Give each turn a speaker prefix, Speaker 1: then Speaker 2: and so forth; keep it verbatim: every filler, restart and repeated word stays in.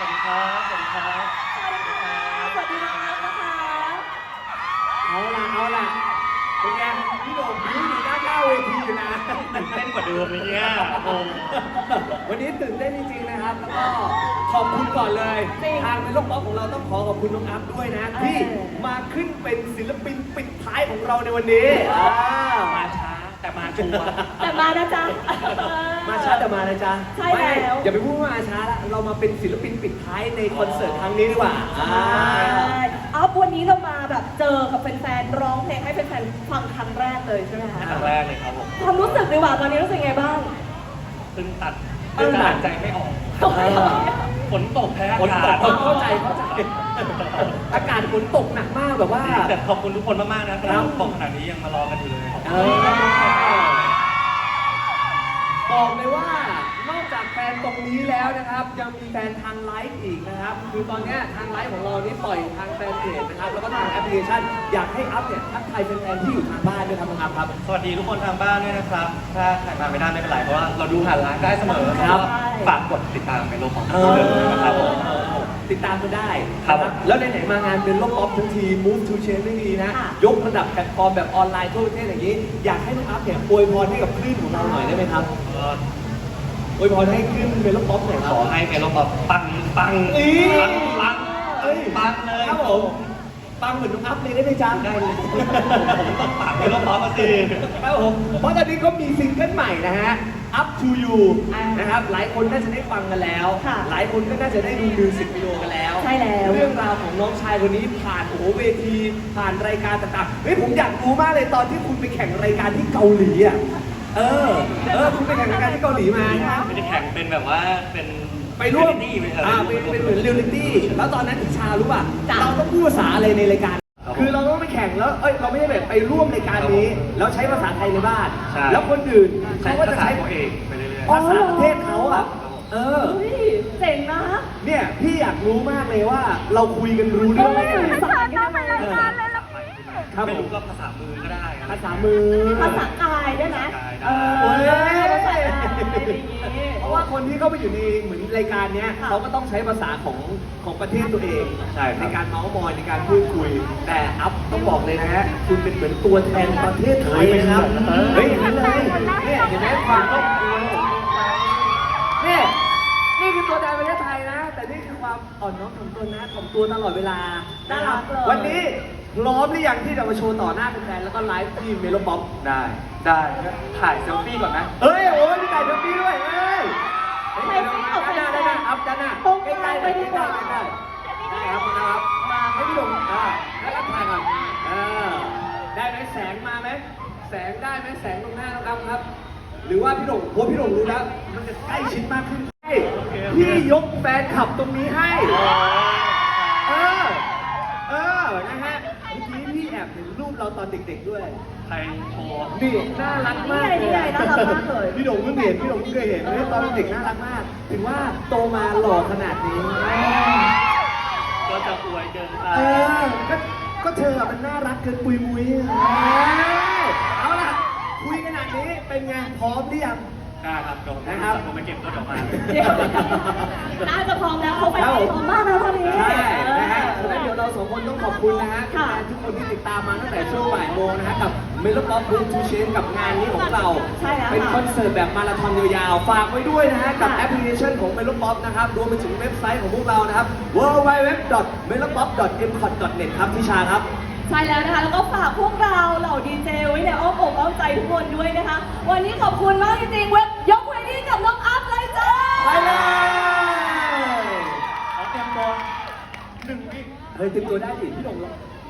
Speaker 1: วัสดีครับสวัสดีครับ
Speaker 2: สวัสดีค่ะสวัสดีน้องๆนะคะ
Speaker 3: เอาล่ะเอาล่ะเป็นไงพี่โด่งยิ้มอยู่ด้านหน้าเวทีอยู่นะ
Speaker 1: ตื่นเต้นกว่าเดิมเลยเนี่ยโอ้
Speaker 3: วันนี้ตื่นเต้นจริงๆนะครับแล้วก็ขอบคุณก่อนเลยทางเป็นโลกป๊อปของเราต้องขอขอบคุณน้องอัพด้วยนะที่มาขึ้นเป็นศิลปินปิดท้ายของเราในวันนี้
Speaker 1: มาช้าแต่มาชัวร์
Speaker 2: แต่มานะจ๊ะ
Speaker 3: มาช้าแต่มานะจ๊ะ
Speaker 2: ใช่แล้ว
Speaker 3: อย่าไปพูดว่ามาช้าละเรามาเป็นศิลปินปิดท้ายในคอนเสิร์ตครั้งนี้ดีกว่า
Speaker 2: เอาวันนี้เรามาแบบเจอกับแฟนๆร้องเพลงให้แฟนๆฟังครั้งแรกเลยใช่ไหมคะ
Speaker 1: ครั้งแรกเลยครับผม
Speaker 2: ความรู้สึกดีกว่าตอนนี้รู้สึกไงบ้าง
Speaker 1: ตึงตัดตึงตัดใจไม่ออกฝนตกแพ้
Speaker 3: ฝนตกเข้าใจเข้าใจอากาศฝนตกหนักมากแบบว่า
Speaker 1: แต่ขอบคุณทุกคนมากๆนะครับบอกขนาดนี้ยังมารอกันอยู่เลย
Speaker 3: บอกเลยว่านอกจากแฟนตรงนี้แล้วนะครับยังมีแฟนทางไลฟ์อีกนะครับคือตอนนี้ทางไลฟ์ของเรานี่ปล่อยทางแฟนเพจนะครับแล้วก็ทางแอปพลิเคชันอยากให้อัพเนี่ยทักทายแฟนๆที่อยู่ทางบ้านด้วยครับน้องอัพครับ
Speaker 1: สวัสดีทุกคนทางบ้านด้วยนะครับถ้าใครมาไม่ได้ไม่เป็นไรเพราะว่าเราดูผ่านไลฟ์ได้เสมอครับฝากกดติดตามในโลกของเราเลยนะครับผม
Speaker 3: ติดตามกันได้
Speaker 1: ครับ
Speaker 3: แล้วไหนๆมางานเป็นโลกออฟทั้งที Move to Change ไม่ดีนะยกระดับแพลตฟอร์มแบบออนไลน์ทั่วประเทศอย่างนี้อยากให้น้องอัพเนี่ยอวยพรให้กับคลื่นของเราหน่อยได้ไหมครับอวยพรให้ขึ้นเป็นโลกป๊อปหน่อยครับ
Speaker 1: ขอให้เป็นโลกป๊อปปังปังปังปังปังเลย
Speaker 3: ครับผมปังเหมือนน้องอัพเลยได้ไหมจ๊ะ
Speaker 1: ได้เลยผมต้องปังเป็นโลกป๊อปมาสิ
Speaker 3: ครับผมเพราะตอนนี้ก็มีซิงเกิลใหม่นะฮะ Up to You นะครับหลายคนน่าจะได้ฟังกันแล้วหลายคนก็น่าจะได้ดูมิวสิกวิดีโอกันแล้ว
Speaker 2: ใช่แล้ว
Speaker 3: เรื่องราวของน้องชายคนนี้ผ่านโอ้โหเวทีผ่านรายการต่างๆเฮ้ยผมอยากรู้มากเลยตอนที่คุณไปแข่งรายการที่เกาหลีอ่ะเออเออคุณไปแข่งรายการที่เกาหลีมา
Speaker 1: ไม่ได้แข่งเป็นแบบว่าเป็น
Speaker 3: ไปร่วมอ่าเป็นเป็นเหมือนเรียลลิตี้แล้วตอนนั้นทิชารู้ป่ะเราต้องพูดภาษาอะไรในรายการคือเราต้องไปแข่งแล้วเอ้ยเราไม่ได้แบบไปร่วมรายการนี้แล้วใช้ภาษาไทยในบ้านแล้วคนอื่นเขาก็จะใช้
Speaker 1: ตัวเองไปเรื่อย
Speaker 3: ๆภาษาประเทศเขาอ่ะเออ
Speaker 2: เจ๋งนะ
Speaker 3: เนี่ยพี่อยากรู้มากเลยว่าเราคุยกันรู้เรื่องไหม
Speaker 1: ครับไม่รู้ก็ภาษามือก็ได้
Speaker 3: ภาษามือ
Speaker 2: ภาษากายได้ไหมเออภาษากาย
Speaker 3: เพราะว่าคนที่เข้าไปอยู่ในเหมือนรายการเนี้ยเขาก็ต้องใช้ภาษาของของประเทศตัวเองในการเมาส์มอยในการพูดคุยแต่อัพต้องบอกเลยนะฮะคุณเป็นเหมือนตัวแทนประเทศไทยนะครับเฮ้ยเห็นเลยเนี่ยเห็นไหมความต้องคุยเนี่ยนี่คือตัวแทนประเทศไทยนะแต่นี่คือความอ่อนน้อมถ่อมตนนะถ่อมตัวตลอดเวลานะครับวันนี้พร้อมหรือยังที่จะมาโชว์ต่อหน้าแฟนๆแล้วก็ไลฟ์ที่เมโลป๊อป
Speaker 1: ได้ได้ถ่ายเซลฟี่ก่อนไหม
Speaker 3: เฮ้ยโอ้ยมีถ่ายเซลฟี่ด้วยเฮ้ยถ่ายเซลฟี่เอาไปได้ได้อัพด้านหน้าใกล้ๆไปดีกว่าได้ได้ครับนะครับมาให้พี่หลงอ่าแล้วรับถ่ายก่อนเออได้ไหมแสงมาไหมแสงได้ไหมแสงตรงหน้าน้องอัพครับหรือว่าพี่หลงโอ้พี่หลงรู้แล้วมันจะใกล้ชิดมากขึ้นพี่ยกแฟนขับตรงนี้ให้เออเออนะฮะเมื่อกี้พี่แอบเห็นรูปเราตอนเด็กๆด้วย
Speaker 1: ใครโชว์
Speaker 3: นี่น่ารักมากเลย
Speaker 2: น่ารักมากเลย
Speaker 3: พี่หลงเพิ่งเห็นพี่หลงเพิ่งเคยเห็นตอนเด็กน่ารักมากถึงว่าโตมาหล่อขนาดนี้
Speaker 1: ก็จะอวยเกินไป
Speaker 3: เออก็ก็เธอมันน่ารักเกินปุยมุ้ยเอาล่ะคุยขนาดนี้เป็นไงพร้อมหรือยัง
Speaker 1: ได้ครับจบนะครับผมไปเก็บรถออกมา
Speaker 2: น่าจะพร้อมแล้วเขาไปพร้อมมากแล้วตอนนี้
Speaker 3: ใช่นะฮะแล้วเดี๋ยวเราสองคนต้องขอบคุณนะฮะทุกคนที่ติดตามมาตั้งแต่ช่วงบ่ายโมงนะฮะกับเมโลป๊อปบูมทูเชนกับงานนี้ของเราเป็นคอนเสิร์ตแบบมาราธอนยาวๆฝากไว้ด้วยนะฮะกับแอปพลิเคชันของเมโลป๊อปนะครับรวมไปถึงเว็บไซต์ของพวกเรานะครับ ดับเบิลยู ดับเบิลยู ดับเบิลยู ดอท เมโลป๊อป ดอท เอ็ม คอท ดอท เน็ต ครับทิชาครับ
Speaker 2: ใช่แล้วนะคะแล้วก็ฝากพวกเราเหล่าดีเจไว้ในอ้อมอกอ้อมใจทุกคนด้วยนะคะวันนี้ขอบคุณมากจริงๆเว็บยกเวทีกับน้องอัพเลยจ้า
Speaker 3: ไปเลย
Speaker 1: ขอเตรียมตัวหนึ่งวิ
Speaker 3: เฮ้ยเตรียมตัวได้ดิพี่หลง